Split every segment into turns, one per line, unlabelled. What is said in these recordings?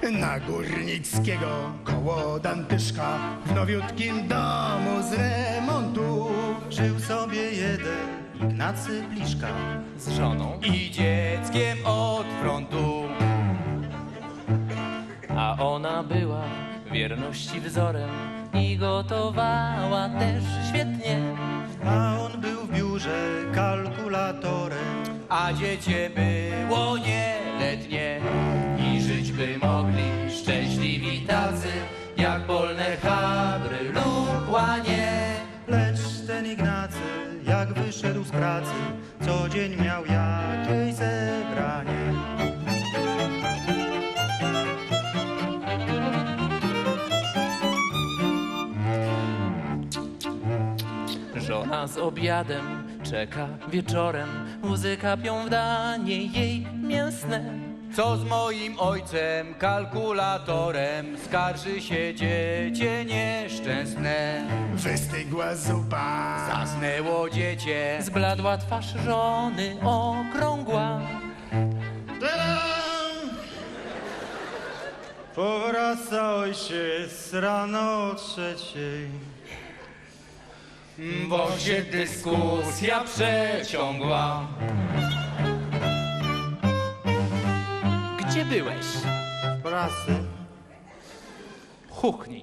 Na Górnickiego koło Dantyszka w nowiutkim domu z remontu
Żył sobie jeden Ignacy Pliszka
Z żoną i dzieckiem od frontu. A ona była wierności wzorem i gotowała też świetnie.
A on był w biurze kalkulatorem.
A dziecię było nieletnie i żyć by mogli szczęśliwi tacy, jak polne chabry lub łanie.
Lecz ten Ignacy, jak wyszedł z pracy, co dzień miał jakieś zebranie.
Żona z obiadem czeka wieczorem, łzy kapią w danie jej mięsne. Co z moim ojcem, kalkulatorem, skarży się dziecię nieszczęsne.
wystygła zupa.
Zasnęło dziecię, zbladła twarz żony okrągła.
Powraca ojciec rano o 3:00.
Bo się dyskusja przeciągła. Gdzie byłeś?
W pracy.
Chuchnij.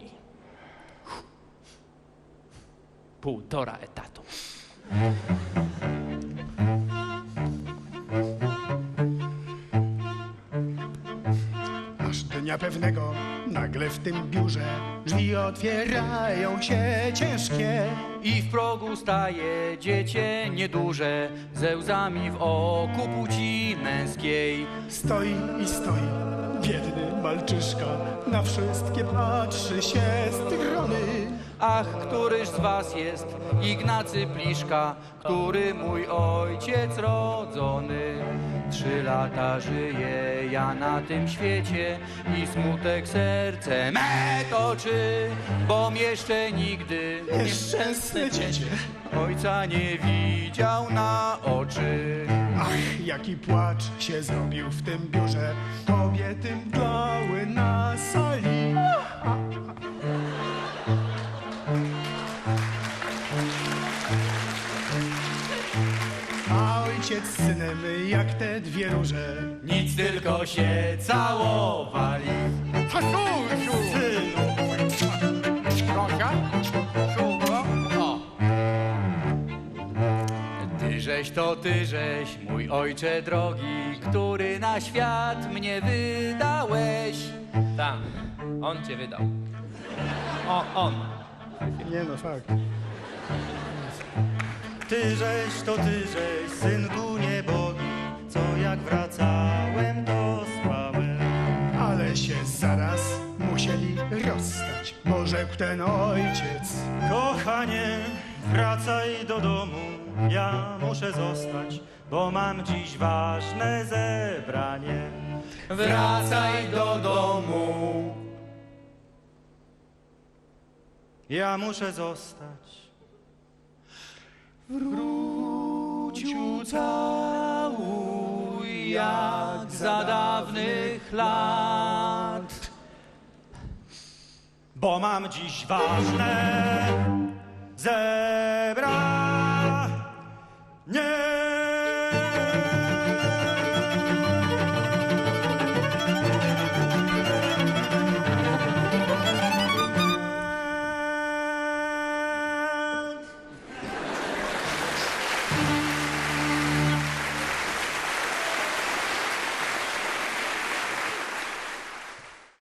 1,5 etatu.
Aż dnia pewnego nagle w tym biurze drzwi otwierają się ciężkie.
I w progu staje dziecię nieduże, ze łzami w oku płci męskiej.
Stoi i stoi, biedny malczyszka, na wszystkie patrzy się strony.
Ach, któryż z was jest Ignacy Pliszka, który mój ojciec rodzony? 3 lata żyję ja na tym świecie i smutek serce me toczy, bom jeszcze nigdy
Nieszczęsne dziecię.
ojca nie widział na oczy.
Ach, jaki płacz się zrobił w tym biurze, kobiety mdlały na sali. A ojciec z synem jak te dwie róże.
Nic, tylko się całowali. Tyżeś to tyżeś, mój ojcze drogi, który na świat mnie wydałeś. Tak, on cię wydał. On.
Nie no, fakt.
Tyżeś to tyżeś, synku niebogi, co jak wracałem, to spałem.
Ale się zaraz musieli rozstać, bo rzekł ten ojciec.
Kochanie, wracaj do domu, ja muszę zostać, bo mam dziś ważne zebranie.
Wracaj do domu.
Ja muszę zostać.
Wrócił całuj jak za dawnych lat.
Bo mam dziś ważne zebranie.